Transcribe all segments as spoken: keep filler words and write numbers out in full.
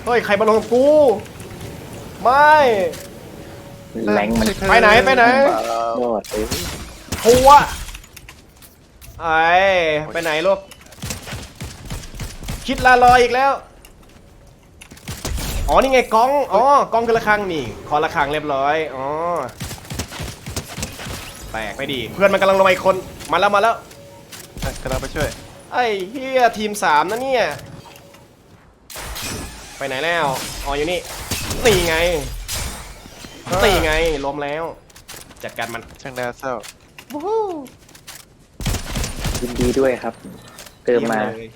เฮ้ยใครมาลงกูไม่แรงมันไปไหนไปไหนโดดเอ้ยทัวไอ้ไปไหนลูกคิดลาลอยอีกแล้วอ๋อนี่ไงกล้องอ๋อกล้องคือระฆังนี่คอระฆังเรียบร้อยอ๋อแตกไปดิเพื่อนมันกำลังลงมาอีกคนมาแล้วมาแล้วกำลังไปช่วยไอ้เฮียทีมสามนะเนี่ยไปไหนแล้วอ๋ออยู่นี่นี่ไงนี่ไงล้มแล้วจัดการมันช่างน่าเศร้าวู้ฮู้ยินดีด้วยครับ เติมมาเยี่ยเลย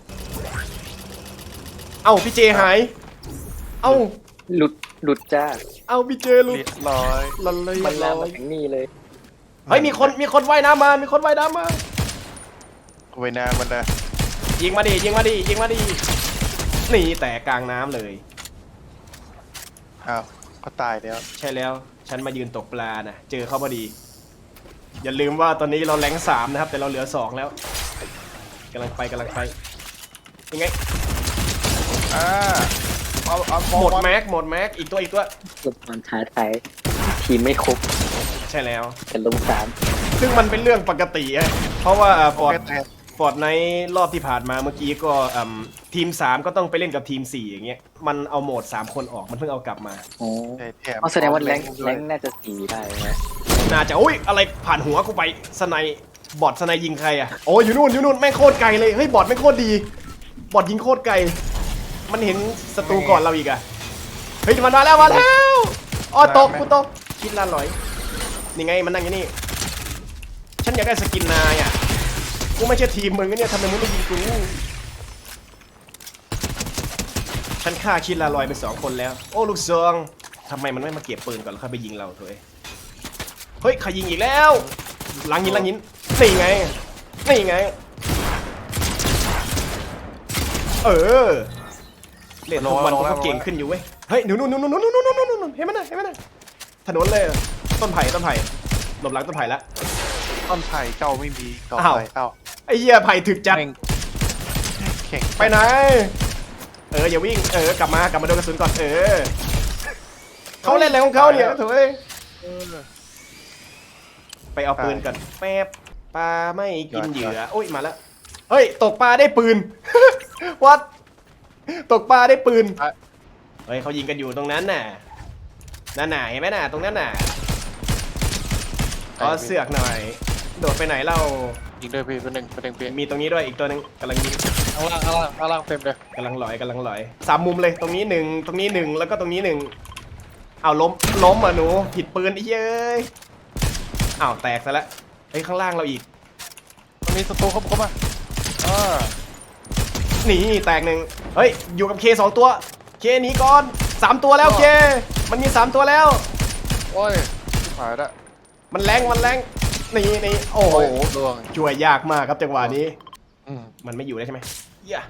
เอ้าพี่เจหายเอ้าหลุดหลุดจ้าเอ้าพี่เจลุเรียบร้อยลันเลยมันลลาอมาย ถึงนี่เลยเฮ้ยมีคนมีคนว่ายน้ำมามีคนว่ายน้ำมาเวยนามันนะยิงมาดิยิงมาดิยิงมาดินี่แต่กลางน้ำเลยอ้าวเขาตายแล้วใช่แล้วฉันมายืนตกปลานะเจอเขาพอดี อย่าลืมว่าตอนนี้เราแรงสามนะครับแต่เราเหลือสองแล้วกำลังไปกำลังไปยังไงอ่าเอาเอาหมดแม็กหมดแม็กอีกตัวอีกตัวหลุดมันท้าทายทีมไม่ครบใช่แล้วแต่ลงสามซึ่งมันเป็นเรื่องปกติอะเพราะว่าฟอร์ดแค่ฟอร์ดในรอบที่ผ่านมาเมื่อกี้ก็อืมทีมสามก็ต้องไปเล่นกับทีมสี่อย่างเงี้ยมันเอาโหมดสามคนออกมันเพิ่งเอากลับมาโอ้แถแถมอ๋อแสดงว่าแรงด้แรวยงน่าจะสี่ได้นะน่าจะโอ้ยอะไรผ่านหัวกูไปสไนบอทสไนยิงใครอะโอ้ยอยู่นู่นอยู่นู่นแม่งโคตรไกลเลยเฮ้ยบอทแม่งโคตรดีบอทยิงโคตรไกลมันเห็นศัตรูก่อนเราอีกอะเฮ้ยมันมาแล้วมาแล้วอ๋อตกกูตกคิดละร้อยนี่ไงมันนั่งอยู่นี่ฉันอยากได้สกินนายอะกูไม่ใช่ทีมมึงนะเนี่ยทำไมมึงไม่ยิงกูฉันฆ่าคิดละร้อยไปสองคนแล้วโอ้ลูกซองทำไมมันไม่มาเก็บปืนก่อนแล้วค่อยไปยิงเราเถอะเฮ้ยใครยิงอีกแล้วหลังหินหลังหินนี่ไงนี่ไงเออเล่นทุกวันกูก็เก่งขึ้นอยู่เว้ยเฮ้ยหนูนู่นนู่นนู่นนู่นนู่นนู่นนู่นเห็นไหมนะเห็นไหมนะถนนเลยต้นไผ่ต้นไผ่หลบหลังต้นไผ่ละต้นไผ่เจ้าไม่มีต่ออ้าวไปเอ้าไอ้เหี้ยไผ่ถึกจัดแม่งแข่งไปไหนเอออย่าวิ่งเออกลับมากลับมาโดนกระสุนก่อนเออเขาเล่นอะไรของเขาเนี่ยโถ่เอ้ยเออไปเอาปืนก่อนแป๊บปลาไม่กินเหยื่อโอ้ยมาแล้วเฮ้ยตกปลาได้ปืน วัดตกปลาได้ปืนเฮ้ยเขายิงกันอยู่ตรงนั้นน่ะนั่นน่ะเห็นไหมน่ะตรงนั้นน่ะขอเสือกหน่อยโดดไปไหนเรายิงด้วยพี่เป็นหนึ่งเป็นหนึ่งพี่มีตรงนี้ด้วยอีกตัวหนึงกำลังยิงข้างล่างข้างล่างข้างล่างเต็มเลยกำลังลอยกำลังลอยสามมุมเลยตรงนี้หนึ่งตรงนี้หนึ่งแล้วก็ตรงนี้หนึ่งเอาล้มล้มอ่ะหนูผิดปืนไอ้เย้ยอ้าวแตกซะแล้วเฮ้ยข้างล่างเราอีกตรงนี้ศัตรูเข้าเข้ามาอ่านี่แตกหนึ่งเฮ้ยอยู่กับเคสองตัวเคหนีก่อนสามตัวแล้วเคมันมีสามตัวแล้วโอ้ยชิบหายละมันแรงมันแรงนี่นี่โอ้โหดวงช่วยยากมากครับจังหวะนี้อืมมันไม่อยู่ได้ใช่ไหมเหี้ย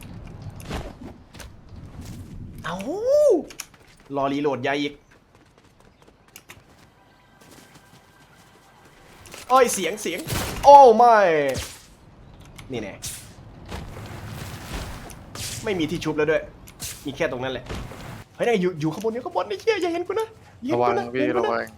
เอารอรีโหลดยาอีกโอ้ยเสียงเสียงโอ้ไม่นี่แน่ไม่มีที่ชุบแล้วด้วยมีแค่ตรงนั้นแหละเฮ้ยนี่อยู่อยู่ข้างบนอยู่ข้างบนไอ้เหี้ยอย่าเห็นกูนะอย่าระเห็นวังกูนะพี่อย่าเห็นกูระนะวัง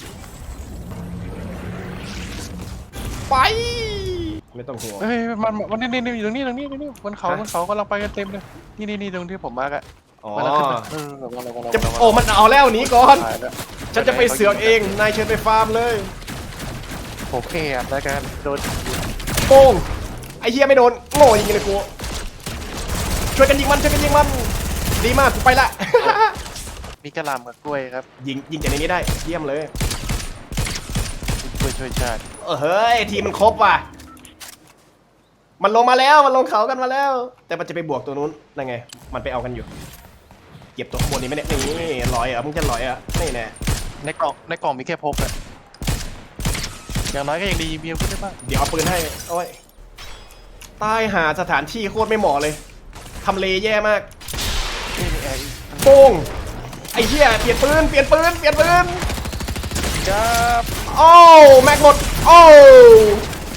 ไปไม่ต้องห่วงเฮ้ยมันมันนี่นี่นี่อยู่ตรงนี้ตรงนี้ตรงนี้บนเขาฮะบนเขากำลังไปกันเต็มเลยนี่นี่นี่ตรงที่ผมมาร์กอะอ๋อมันขึ้นไปเออระวังระวังระวังจะระวังโอ้มันเอาแล้วหนีก่อนตายแล้วฉันจะไปเสือกเองนายเชิญไปฟาร์มเลยผมแอบแล้วกันโดนโป้งไอ้เหี้ยไม่โดนโง่ยิงเลยกูช่วยกันยิงมันช่วยกันยิงมันดีมากกูไปละมีกระหลำกับกล้วยครับยิงยิงจากในนี้ได้เยี่ยมเลยช่วยช่วยชาติเออเฮ้ยทีมมันครบว่ะมันลงมาแล้วมันลงเขากันมาแล้ว แต่มันจะไปบวกตัวนู้นนั่นไงมันไปเอากันอยู่เก็บตัวข้างบนนี้ไม่ได้นี่ลอยเหรอมึงจะลอยเหรอนี่แน่ในกล่องในกล่องมีแค่พบอะอย่างน้อยก็ยังดีมีอาวุธได้บ้างเดี๋ยวเอาปืนให้โอ้ยตายหาสถานที่โคตรไม่เหมาะเลยทำเลแย่มากนี่มีไอ้โป้งไอ้เหี้ยเปลี่ยนปืนเปลี่ยนปืนเปลี่ยนปืนครับโอ้แม็กหมดโอ้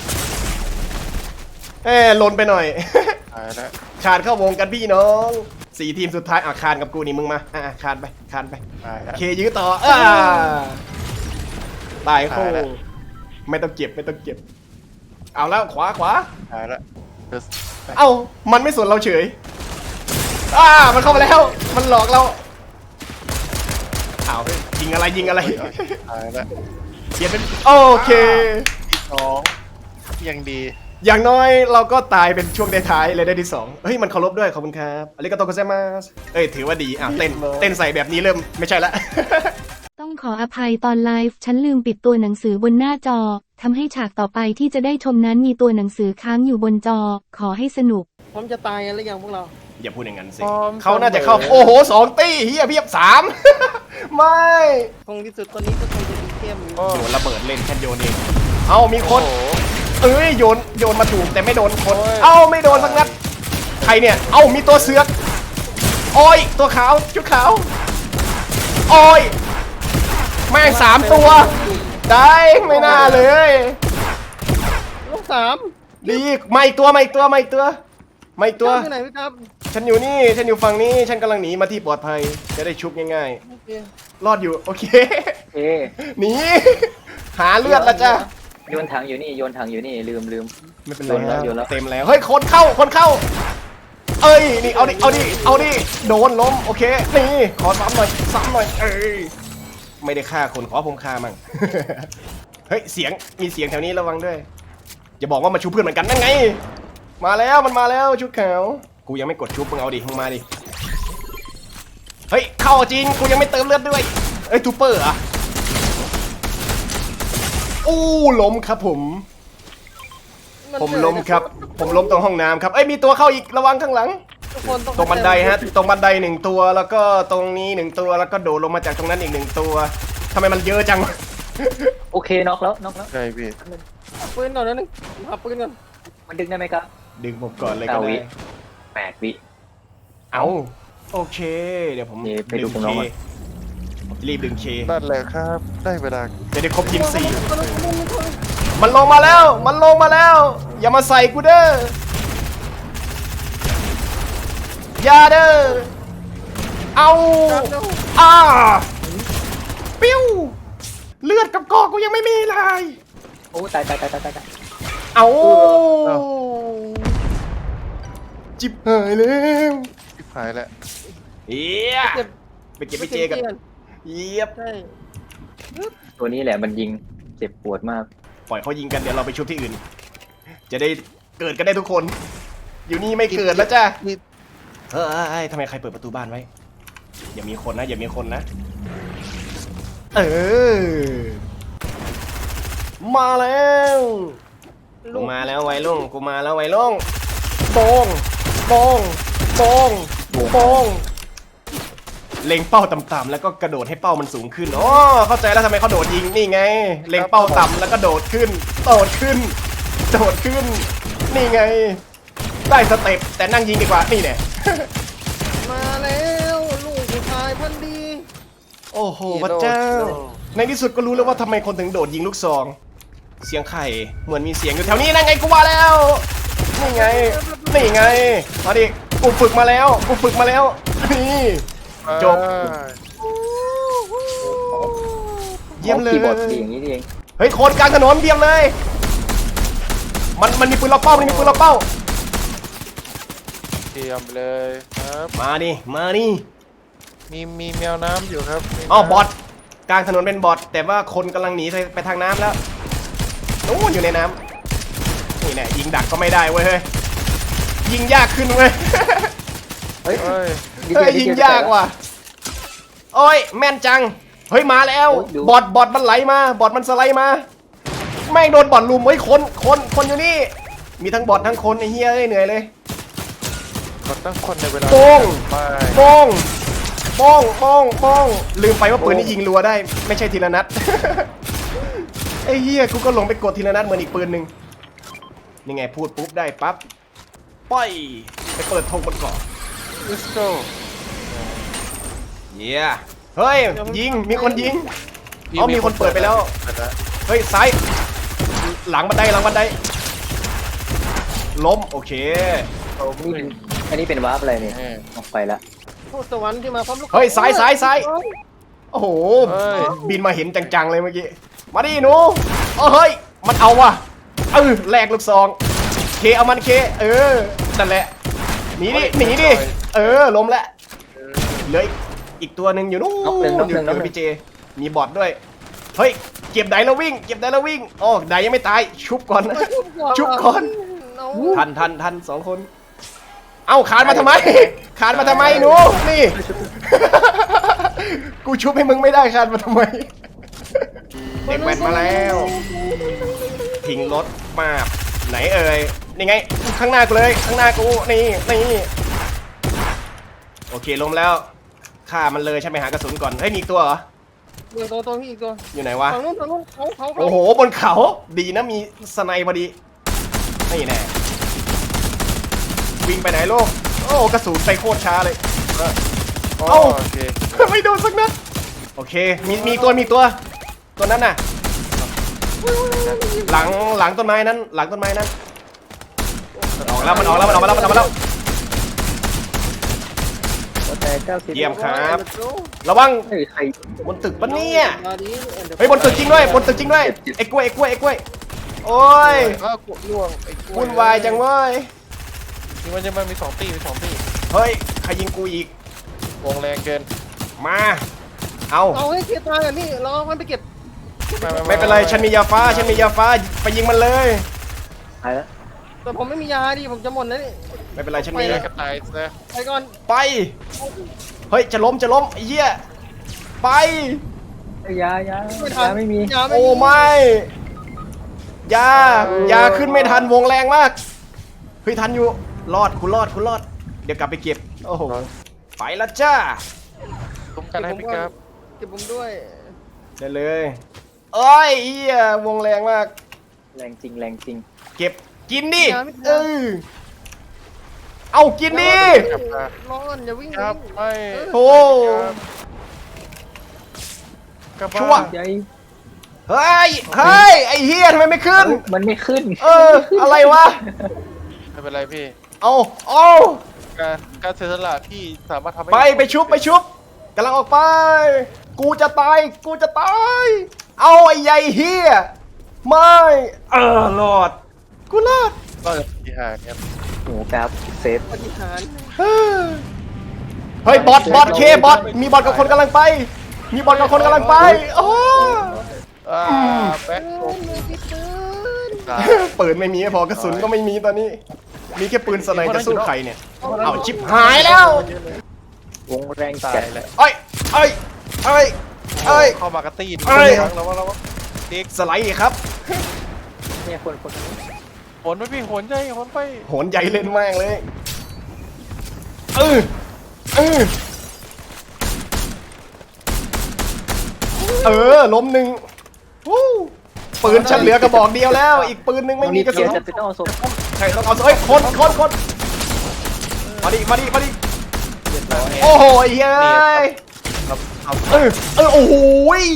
เอ้หล่นไปหน่อยตายแล้วขาดเข้าวงกันพี่น้องสี่ทีมสุดท้ายอ่ะคานกับกูนี่มึงมาอ่ะคานไปคานไปตายแล้วเคยื้อต่ออ่าตายโคตายแล้วไม่ต้องเก็บไม่ต้องเก็บ เอาแล้วขวาขวาตายแล้วเดี๋ยวเอ้ามันไม่สนเราเฉยอ่ามันเข้ามาแล้ว มันหลอกเราอ้าวยิงอะไรยิงอะไรตายแล้วเปลี่ยนเป็นโอเคที่สองยังดีอย่างน้อยเราก็ตายเป็นช่วงท้ายๆเลยได้ที่สองเฮ้ยมันเคารพด้วยขอบคุณครับอาริกาโตโกเซมาสเอ้ยถือว่าดีอ่ะเต้นเต้นใส่แบบนี้เริ่มไม่ใช่ละต้องขออภัยตอนไลฟ์ฉันลืมปิดตัวหนังสือบนหน้าจอทำให้ฉากต่อไปที่จะได้ชมนั้นมีตัวหนังสือค้างอยู่บนจอ ขอให้สนุกพร้อมจะตายกันหรือยังพวกเราอย่าพูดอย่างนั้นสิพร้อมเขาน่าจะเข้าเสมอโอ้โหสองตี้เฮียเพียบสาม ไม่คงที่สุดตอนนี้ก็คงจะดีเข้มโอ้โยนระเบิดเล่นแค่โยนเองเอามีคนโอ้โหเอ้ยโยนโยนมาถูกแต่ไม่โดนคนโอ้ยเอ้าไม่โดนสักนัดใครเนี่ยเอ้ามีตัวเสือกโอ้ยตัวขาวชุดขาวโอ้ยแม่งสามตัวได้ไม่น่าเลยลูกสามดีมาอีกตัวมาอีกตัวมาอีกตัวมาอีกตัวอยู่ไหนพี่ครับฉันอยู่นี่ฉันอยู่ฝั่งนี้ฉันกำลังหนีมาที่ปลอดภัยจะได้ชุบง่ายโอเคๆรอดอยู่โอเคเอ๊ะหนีหาเลือดละจ้ะโยนถังอยู่นี่โยนถังอยู่นี่ลืมลืมไม่เป็นไรโยนแล้วโยนแล้วเต็มแล้วเฮ้ยคนเข้าคนเข้า เอ้ยนี่เอาดิเอาดิเอาดิโดนล้มโอเคนี่ขอซ้ำหน่อยซ้ำหน่อยเอ้ยไม่ได้ฆ่าคนขอผมฆ่ามั่ง เฮ้ยเสียงมีเสียงแถวนี้ระวังด้วยอย่าบอกว่ามาชุบเพื่อนเหมือนกันนั่นไง มาแล้วมันมาแล้วชุดขาวกูยังไม่กดชุบมึงเอาดิมึงมาดิเฮ้ยเข้าจริงกูยังไม่เติมเลือดด้วยเอ้ยทูเปอร์อะอู้ล้มครับผมนผมล้มครับ ผมล้มตรงห้องน้ำครับ เอ้ยมีตัวเข้าอีกระวังข้างหลังทุกคนต้องตรงบันไดฮะ ตรงบันไดหนึ่งตัว แล้วก็ตรงนี้หนึ่งตัว แล้วก็โดดลงมาจากตรงนั้นอีกหนึ่งตัวทำไมมันเยอะจังโอเคน็อกแล้วน็อกแล้วใช่พี่เอาปืนก่อนนะหนึ่งเอาปืนก่อนมันดึงได้ไหมครับดึงผมก่อนเลยก็เก้าวิได้แปดวิเอาโอเค เดี๋ยวผมเดี๋ยวไปดูดึงของเคน้องก่อนผมจะรีบดึงเคนั่นแหละครับ ได้เวลาจะได้ครบทีมสี่เอาปืนก่อนเอาปืนก่อนมันลงมาแล้ว มันลงมาแล้ว อย่ามาใส่กูเด้ออย่าเด้อเอาเอาเร็วอ่าปิ้วเลือดกับกอกกูยังไม่มีเลยโอ้ตายตายตายตายตายตายเอาจิบหายแล้วชิบหายแล้วเอียเก็บไปเก็บไปเจกันเยียบใช่ตัวนี้แหละมันยิงเจ็บปวดมากปล่อยเขายิงกันเดี๋ยวเราไปชุบที่อื่น จะได้เกิดกันได้ทุกคน อยู่นี่ไม่เกิดแล้วจ้ะนี่เฮ้ยทำไมใครเปิดประตูบ้านไว้ อย่ามีคนนะ อย่ามีคนนะ เออ มาแล้วกูมาแล้วไวลุงกูมาแล้วไวลุงโปงโปงโปงโปงเล็งเป้าต่ำๆแล้วก็กระโดดให้เป้ามันสูงขึ้นอ๋อเข้าใจแล้วทำไมเขาโดดยิงนี่ไง เล็งเป้าต่ำแล้วก็โดดขึ้น โดดขึ้น โดดขึ้น นี่ไง ได้สเต็ปแต่นั่งยิงดีกว่านี่เนี่ยมาแล้วลูกผู้ชายพันธุ์ดีโอ้โหพระเจ้า ในที่สุดก็รู้แล้วว่าทำไมคนถึงโดดยิงลูกซอง เสียงไข่เหมือนมีเสียงอยู่แถวนี้นั่นไงกูว่าแล้ว นี่ไง นี่ไง มาดิ กูฝึกมาแล้ว กูฝึกมาแล้ว นี่ จบ เยี่ยมเลยคีย์บอร์ดดีอย่างนี้นี่เองเฮ้ยคนกลางถนนเยี่ยมเลย มันมันมีปืนล็อกเป้ามันมีปืนล็อกเป้าเตรียมเลยครับมาดิ มาดิมีมีแมวน้ำอยู่ครับมีอ๋อน้ำบอทกลางถนนเป็นบอทแต่ว่าคนกำลังหนีไปไปทางน้ำแล้วนู้นอยู่ในน้ำนี่แน่ยิงดักก็ไม่ได้เว้ยเฮ้ยยิงยากขึ้นเว้ยเฮ้ยเฮ้ยดีเฮ้ยดียิงยากว่ะโอ้ยแม่นจังเฮ้ยมาแล้วโอ้ยดูบอทบอทมันไหลมาบอทมันสไลด์มาแม่งโดนบอทลุมเฮ้ยคนคนคนอยู่นี่มีทั้งบอททั้งคนไอ้เหี้ยเอ้ยเหนื่อยเลยกดตั้งคนในเวลาโป้งไม่โป้งโป้งโป้งโป้งลืมไปว่าปืนนี่ยิงรัวได้ไม่ใช่ทีละนัด ไอ้เหี้ยกูก็ลงไปกดทีละนัดเหมือนอีกปืนหนึ่งนี่ไงพูดปุ๊บได้ปั๊บป้อยไปเปิดธงบนเกาะลิสโก้เยี่ยเฮ้ยยิงมีคนยิงอ๋อมีคนเปิดไปแล้วเปิดแล้วเฮ้ยซ้ายหลังบันไดหลังบันไดล้มโอเคนี่เป็นอันนี้เป็นวาร์ปอะไรเนี่ยเออออกไปละทูตสวรรค์ที่มาพร้อมลูกเฮ้ยซ้ายซ้ายซ้าย โอ้โห บินมาเห็นจังๆเลยเมื่อกี้ มาดิหนูโอ้เฮ้ย มันเอาว่ะเออแลกลูกซอง เคเอามันเค เออ นั่นแหละ หนีดิ หนีดิ เออ ล้มแล้วเหลืออีกตัวหนึ่งอยู่นู้นน็อกหนึ่งน็อกอหยู่นึ่งน็อกกับหนึ่งพี่เจ มีบอทด้วย เฮ้ย เก็บไดแล้ววิ่ง เก็บไดแล้ววิ่งโอ้ไดยังไม่ตาย ชุบก่อนนะ ชุบก่อนเอาทันทันทันสองคน เอ้าขานมาทำไม ขานมาทำไมหนู นี่ กูชุบให้มึงไม่ได้ขานมาทำไม เด็กแว้นมาแล้ว ทิ้งรถมาไหนเอ่ย นี่ไง ข้างหน้ากูเลย ข้างหน้ากู นี่ นี่ โอเคล้มแล้ว ฆ่ามันเลยใช่ไหมหากระสุนก่อน เฮ้ยมีอีกตัวเหรอเดี๋ยวตัวตัวพี่อีกตัวอยู่ไหนวะฝั่งนู้นฝั่งนู้นเขาเขาเขาโอ้โห บนเขา ดีนะมีสไนพอดี นี่แน่ วิ่งไปไหนลูกโอ้กระสุนไปโคตรช้าเลยอ๋อเอ้าโอเคไม่โดนสักนัด โอเค มีมีตัวมีตัว ตัวนั้นน่ะ หลังหลังต้นไม้นั้น หลังต้นไม้นั้นมันออกแล้วมันออกแล้วมันออกมาแล้วมันออกมาแล้วแต่เก้าสิบเยี่ยมครับ ระวังเฮ้ยใครบนตึกปะเนี่ยมาดิเฮ้ยบนตึกจริงด้วยบนตึกจริงด้วยไอ้กล้วยไอ้กล้วยไอ้กล้วยโอ้ยอ้าวกดล่วงไอ้กล้วุ่นวายจังเว้ยนี่มันจะมันมีสองตีมีสองตีเฮ้ยใครยิงกูอีกวงแรงเกินมา เอาเอาให้เกียร์ตายอ่ะนี่เราเอามันไปเก็บไม่เป็นไรฉันมียาฟ้าฉันมียาฟ้าไปยิงมันเลยตายแล้วแต่ผมไม่มียาดิผมจะหมดแล้วนี่ไม่เป็นไรฉันไปมีเลยกระต่ายซะไปก่อนไป เฮ้ยจะล้มจะล้มไอ้เหี้ยไปเอ้ยยายาไม่ทันยาไม่มียาไม่โอ้มีไม่ยายาขึ้นไม่ทันวงแรงมากเฮ้ยทันอยู่รอดคุณรอดคุณรอด เดี๋ยวกลับไปเก็บโอ้โหไปละจ้าตุ้มกันให้พี่ครับเก็บผมด้วยได้เลยเอ้ยเหี้ยวงแรงมากแรงจริงแรงจริงเก็บกินดิเออเอากินดิกลับมาร้อนอย่าวิ่งครับวิ่งไม่โอ้กลับชั่วบ้านใหญ่เฮ้ยเฮ้ยไอ้เฮียทำไมไม่ขึ้นมันไม่ขึ้นเอออะไรวะไม่เป็นไรพี่เอาเอาการการเสียสละพี่สามารถทำให้ไปไปชุบไปชุบกำลังออกไป กูจะตายกูจะตายเอาไอ้ใหญ่เฮียไม่เออรอดกูรอดก็จะพิหารครับหมูกราฟเซฟปฏิหารเฮ้ยบอทบอทเคบอทมีบอทกับคนกำลังไป มีบอทกับคนกำลังไปโอ้อ่าแบ็คเออมือที่ปืนตายปืนไม่มีพอกระสุนก็ไม่มีตอนนี้ มีแค่ปืนสไนจะสู้ใครเนี่ยเอาชิบหายแล้ววงแรงตายจัดแหละเอ้ยเอ้ยเอ้ยเอ้ยเข้ามากระตีนเอ้ยแล้วว่าแล้วว่าเด็กสไลด์ครับเนี่ยคนคนโหนไปพี่โหนใจโหนไปโหนใหญ่เล่นมากเลยเออเออเออล้มหนึ่งวู้ปืนฉันเหลือกระบอกเดียวแล้ว อีกปืนหนึงไม่มีกระสุนจะเป็นต้องเอาศพใช่ต้องเอาเอ้ยคนคนคนมาดิมาดิมาดิเรียบร้อยโอ้โหเฮ้ยครับครับเออเออโอ้โหย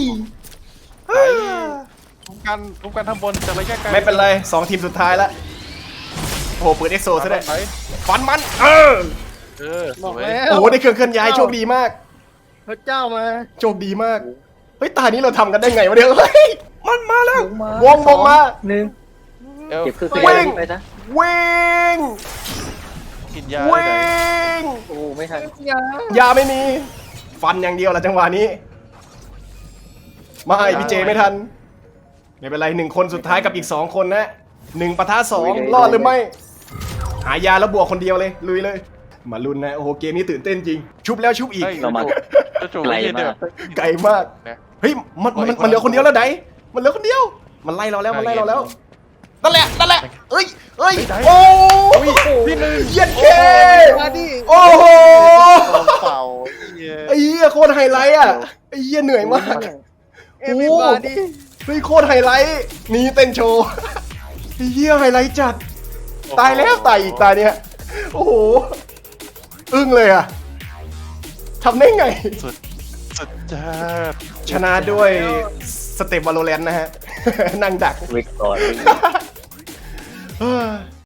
ทุกการทุกการทำบนจากระยะไกลไม่เป็นไรสองทีมสุดท้ายแล้วโอ้โหปืนเอ็กโซซะด้วยไปฟันมันเออเออสบอกวยแล้วโอ้โหได้เครื่องเคลื่อนย้ายโชคดีมากพระเจ้ามาโชคดีมาก เฮ้ยตานี้เราทำกันได้ไงวะเนี่ยเฮ้ย มันมาแล้ววงมาวงวงมาหนึ่งเอวเก็บคือวิ่งไปซะวิ่งกินยาวิ่ได้ไหนงโอ้ไม่ทันอย่ายาไม่มี ฟันอย่างเดียวละจังหวะนี้ ไม่พี่เจไม่ทัน ไม่เป็นไรหนึ่งคนสุดท้ายกับอีกสองคนนะหนึ่งปะทะสองรอดหรือไม่ หายาแล้วบวกคนเดียวเลย ลุยเลย มาลุ้นนะ โอ้โห เกมนี้ตื่นเต้นจริง ชุบแล้วชุบอีกเฮ้ยเรามาจะจูบไกลไม่เย็นเด้มาอกไกลมากนะเฮ้ย มันมันมันเหลือคนเดียวแล้วไหนมันเหลือคนเดียว มันไล่เราแล้ว มันไล่เราแล้ว นั่นแหละ นั่นแหละ เอ้ยเอ้ย โอ้พี่หนึ่งเย็นเคมาดิโอ้โหเป่าเย้ไอ้เหี้ยโคตรไฮไลท์อ่ะ ไอ้เหี้ยเหนื่อยมากเอ็มวีมาดิเฮ้ยโคตรไฮไลท์นี่เต้นโชว์ไอ้เหี้ยไฮไลท์จัด ตายแล้วตายอีกตายเนี้ยโอ้โห อึ้งเลยอ่ะทำได้ไงสุดสุดจ้าชนะด้วยสเต็ปวาโลแรนต์นะฮะ นั่งดักวิกตอรี่เฮ้ย